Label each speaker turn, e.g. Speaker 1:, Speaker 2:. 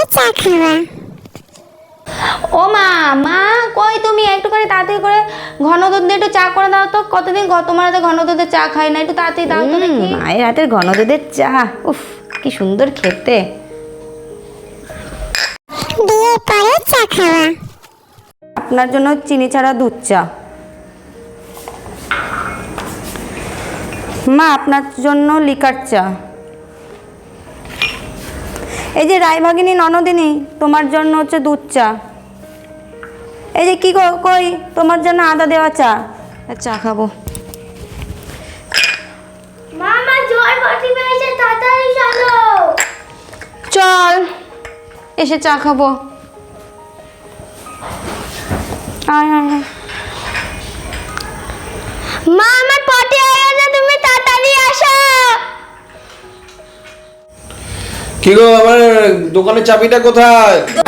Speaker 1: চা খাওয়া।
Speaker 2: ও মা, মা কই তুমি? একটু করে তাড়াতাড়ি করে ঘন দুধ দিয়ে একটু চা করে দাও তো। কতদিন তোমার হাতে ঘন দুধের চা খাই না, একটু তাড়াতাড়ি দাও তো দেখি।
Speaker 3: মায়ের হাতের ঘন দুধের চা, উফ কি সুন্দর খেতে।
Speaker 1: বিয়ের পরে চা খাওয়া।
Speaker 3: আপনার জন্য চিনি ছাড়া দুধ চা। মা আপনার জন্য লিকার চা। এই যে রায়ভাগিনী ননদিনী, তোমার জন্য হচ্ছে দুধ চা। এই যে কি কই, তোমার জন্য আদা দেওয়া চা। চা খাবো।
Speaker 2: মামা জল বাটি পেয়েছে, তাড়াতাড়ি চলো।
Speaker 3: চল এসে চা খাবো। আয় আয় আয়।
Speaker 2: মা আমার পটি হয়ে গেছে, তুমি তাড়াতাড়ি আসো।
Speaker 4: কি গো, আমার দোকানের চাবিটা কোথায়?